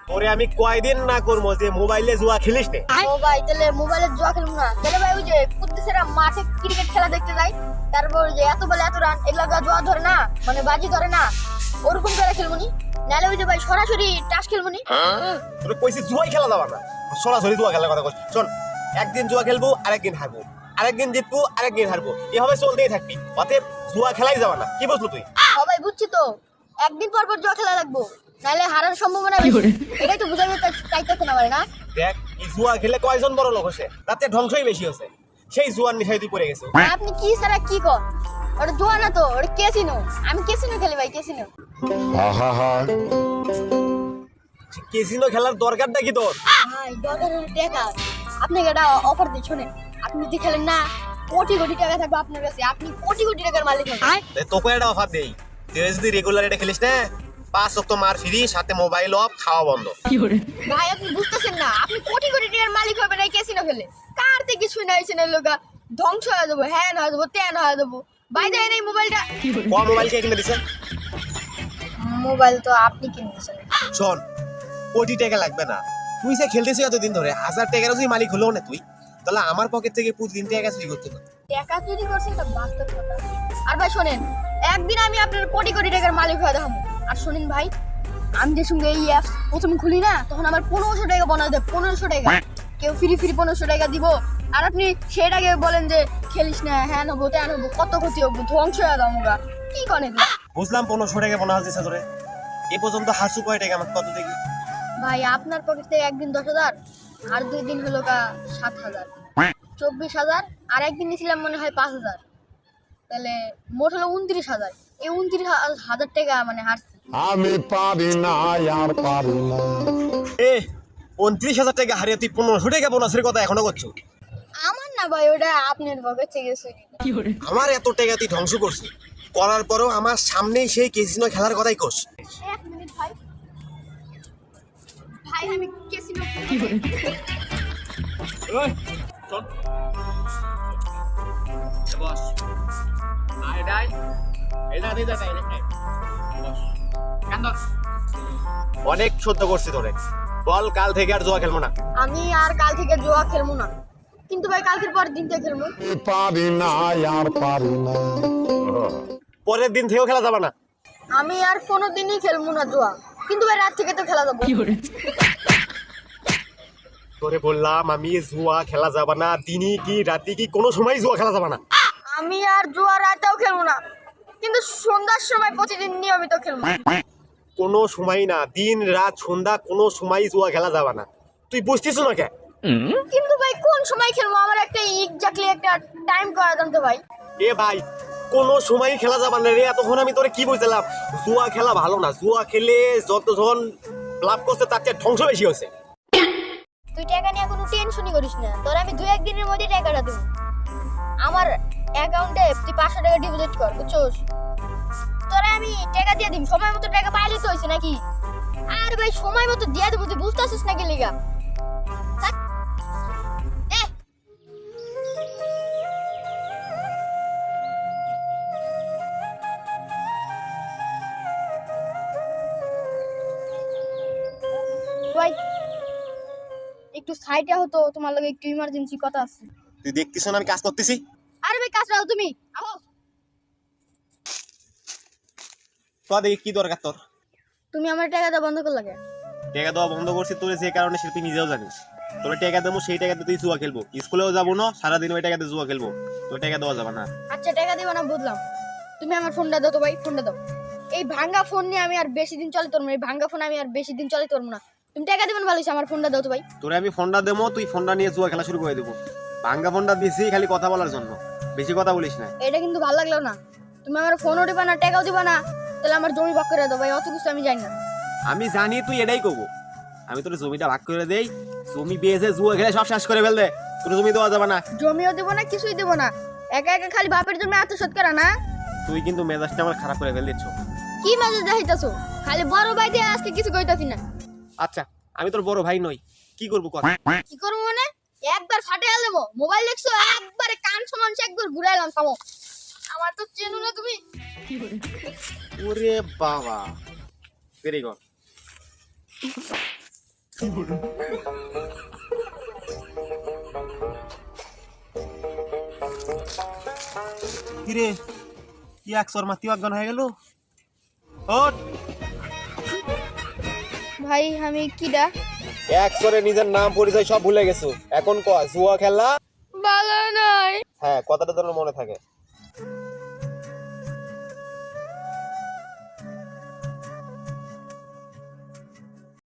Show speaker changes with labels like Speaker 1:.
Speaker 1: তোরে আমি কয়দিন না করবো যে মোবাইলে জুয়া খেলিস নে।
Speaker 2: ও ভাই তাহলে মোবাইলে জুয়া খেলবো না, তাহলে ভাই ওই যে কুদ্দুসেরা মাঠে ক্রিকেট খেলা দেখতে যাই, তারপর ওই যে এত বলে এত রান, এগুলা জুয়া ধরে না, মানে বাজি ধরে না, ওরকম করে খেলবো নি। নাহলে ওই যে ভাই সরাসরি টাস খেলবো নি।
Speaker 1: তোরে কইছি জুয়াই খেলা যাবে না, সরাসরি জুয়া খেলার কথা কইছ। শোন, একদিন জুয়া খেলবো আরেকদিন হারবো, আরেকদিন জিতবো আরেকদিন হারবো, এভাবে চলতেই থাকবি। অতএব জুয়া খেলাই যাবে না, কি বুঝলো তুই?
Speaker 2: ও ভাই বুঝছি তো, একদিন পর পর জুয়া খেলা লাগবো, নাহলে হারার সম্ভাবনা বেশি। এটাই তো বুঝাবে চাইতেছে না ভাই না।
Speaker 1: দেখ, এই জুয়া খেলে কয়জন বড় লোক হয়েছে, তাতে ধ্বংসই বেশি হয়েছে। সেই জুয়ার নেশায় তুই পড়ে গেছে।
Speaker 2: আপনি কি সারা কি কর, ওটা জুয়া না তো, ওটা ক্যাসিনো। আমি ক্যাসিনো খেলি ভাই, ক্যাসিনো।
Speaker 1: ক্যাসিনো খেলার দরকারটা কি তোর?
Speaker 2: ভাই দরকার হলে টাকা। আপনাকে একটা অফার দিই, শোনেন। আপনি যদি খেলেন না, কোটি কোটি টাকা থাকবে আপনার কাছে, আপনি কোটি কোটি টাকার মালিক হবেন।
Speaker 1: তোকে একটা অফার দেই, তুই যদি রেগুলার এটা খেলিস না, 5 ওয়াক্ত মার ফ্রি, সাথে মোবাইল অফ, খাওয়া বন্ধ।
Speaker 2: ভাই আপনি বুঝতেছেন না, আপনি কোটি কোটি টাকার মালিক হবেন এই ক্যাসিনো খেলে। কারতে কিছু নাই, না লোকা ধ্বংস হয়ে যাবো, হ্যাঁ হয়ে যাবো, তেন হয়ে যাবো। ভাই দেন এই মোবাইলটা।
Speaker 1: কোন মোবাইল কে কিনে দিছেন?
Speaker 2: মোবাইল তো আপনি কিনে দিয়েছেন।
Speaker 1: শোন, কোটি টাকা লাগবে না, তুই যে খেলতেছিস এতদিন ধরে, 1000 টাকারও যদি মালিক হলো না তুই, তাহলে আমার পকেট থেকে প্রতিদিন টাকা চুরি করতে না।
Speaker 2: টাকা চুরি করছি এটা বাস্তব কথা। আর ভাই শোনেন, একদিন আমি আপনার কোটি কোটি টাকার মালিক হয়ে দেখাবো। আর শোনেন ভাই, আমি যে সঙ্গে এই অ্যাপস প্রথম খুলি না, তখন আমার 1500 টাকা বোনাস দেয়, 1500 টাকা। কেউ ফ্রি 1500 টাকা দিব, আর আপনি সেটাকে বলেন যে খেলিস না, হ্যাঁ নেবো তেন নেবো, কত ক্ষতি হবো, ধ্বংস হয়ে যাবো আমরা। কি করেন
Speaker 1: বুঝলাম 1500 টাকা বোনাস দিছে তোরে, এ পর্যন্ত হাসু কয় টাকা আমাকে কত দেখি?
Speaker 2: ভাই? আপনার পকেট থেকে একদিন 10,000, আর 2 দিন হলো 7,000, 24,000, আর একদিন নিয়েছিলাম মনে হয় 5,000, তাহলে মোট হলো 29,000। এই 29,000 টাকা মানে হারছি
Speaker 3: আমি। পারি না আর পারি না।
Speaker 1: এ 29,000 টাকা হারিয়ে তুই 1500 টাকা বোনাসের কথা এখনো করছো?
Speaker 2: আমার না ভাই, ওটা আপনার পকেট থেকে গেছে।
Speaker 1: আমার এত টাকা তুই ধ্বংস করছিস, করার পরেও আমার সামনেই সেই ক্যাসিনো খেলার কথাই কোস।
Speaker 2: এক মিনিট ভাই, ভাই আমি ক্যাসিনো
Speaker 1: অনেক সহ্য করছি তোরে, বল কাল থেকে আর জুয়া খেলবো না।
Speaker 2: আমি আর কাল থেকে জুয়া খেলবো না, কিন্তু ভাই কালকের পরের দিন থেকে খেলবো।
Speaker 3: পারি না আর পারি না।
Speaker 1: পরের দিন থেকেও খেলা যাবে না।
Speaker 2: আমি আর কোনোদিনই খেলবো না জুয়া, কিন্তু ভাই রাত থেকে তো খেলা যাবো।
Speaker 1: তোরে বললাম আমি জুয়া খেলা যাবে না, দিনই কি রাতি কি কোনো সময় জুয়া খেলা যাবে না।
Speaker 2: আমি আর জুয়া রাতেও খেলবো না, কিন্তু সন্ধ্যার সময় প্রতিদিন নিয়মিত খেলবো।
Speaker 1: কোনো সময় না, দিন রাত সন্ধ্যা কোনো সময় জুয়া খেলা যাবে না, তুই বুঝতিস না কে?
Speaker 2: কিন্তু ভাই কোন সময় খেলবো, আমার একটা এক্স্যাক্টলি একটা টাইম করে দেন তো ভাই।
Speaker 1: এ ভাই, কোনো সময় খেলা যাবে না রে, এতক্ষণ আমি তোরে কি বুঝলাম? জুয়া খেলা ভালো না, জুয়া খেলে যতজন লাভ করছে তার চেয়ে ধ্বংস বেশি হয়েছে।
Speaker 2: তুই টাকা নিয়ে কোনো টেনশনই করিস না, তোর আমি 2-1 দিনের মধ্যে টাকাটা দেবো। আমার অ্যাকাউন্টে তুই 500 টাকা ডিপোজিট কর, বুঝছস? তোরা আমি টাকা দিয়ে দিই, সময় মতো টাকা পাইলে তো হইছে নাকি? আর ভাই সময় মতো দিয়ে দেবো, তুই বুঝতেছিস নাকি লিগা? থাক। এ ভাই একটু সাইডে হতো, তোমার লগে একটু ইমার্জেন্সি কথা আছে।
Speaker 1: তুই দেখতিস না আমি কাজ করতেছি?
Speaker 2: আরে ভাই কাজ রাখো, তুমি আহো।
Speaker 1: তো দেখি কি দরকার তোর?
Speaker 2: তুমি আমার টাকাটা বন্ধ কর লাগে।
Speaker 1: টাকা দেওয়া বন্ধ করছি তোর যে কারণে, সে তুই নিজেও জানিস। তোর টাকা দেবো, সেই টাকাতে তুই জুয়া খেলবো, স্কুলেও যাবো না, সারাদিন ওই টাকাতে জুয়া খেলবো, তোর টাকা দেওয়া যাবে না।
Speaker 2: আচ্ছা টাকা দিবা না বুঝলাম, তুমি আমার ফোনটা দাও তো ভাই, ফোনটা দাও। এই ভাঙ্গা ফোন নিয়ে আমি আর বেশি দিন চালাতে পারবো না, এই ভাঙ্গা ফোন আমি আর বেশি দিন চালাতে পারবো না। তুমি টাকা দিবেন ভালো হইছে, আমার ফোনটা দাও তো ভাই।
Speaker 1: তোরে আমি ফোনটা দেবো, তুই ফোনটা নিয়ে জুয়া খেলা শুরু করে দেবো। ভাঙ্গা ফোনটা দিছি খালি কথা বলার জন্য, বেশি কথা বলিস না।
Speaker 2: এটা কিন্তু ভালো লাগলো না, তুমি আমার ফোনও দিবা না, টাকাও দিবা না, তাহলে আমার জমি ভাগ করে দাও ভাই, অত কিছু আমি জানি না।
Speaker 1: আমি জানি তুই এটাই করবো, আমি তোর জমিটা ভাগ করে দেই, জমি বেঁচে জুয়া খেলে সব শেষ করে ফেলবে, তোর জমি দেওয়া যাবে না।
Speaker 2: জমিও দিব না, কিছুই দিব না, একা একা খালি বাপের জমি আত্মসাৎ করা না।
Speaker 1: তুই কিন্তু মেজাজটা আমার খারাপ করে ফেল দিচ্ছ।
Speaker 2: কি মাঝে দেখাইতাছো, খালি বড় ভাই দিয়ে আজকে কিছু কইতাছি না।
Speaker 1: আচ্ছা, আমি তোর বড় ভাই নই, কি করবো কর?
Speaker 2: কি করবো মানে? একবার ফাটে দেবো। মোবাইল দেখছো, একবারে কান সমান একবার ঘুরাইলাম, থামো। আমার তো চেনো না তুমি।
Speaker 1: ওরে বাবা, ভেরি গুড। কিরে কি একশোর মাতি অজ্ঞান হয়ে গেল ওঠ
Speaker 2: ভাই আমি কিডা
Speaker 1: একশোরে নিজের নাম পরিচয় সব ভুলে গেছো এখন ক জুয়া খেলা
Speaker 2: ভালো নয়
Speaker 1: হ্যাঁ কথাটা যেন মনে থাকে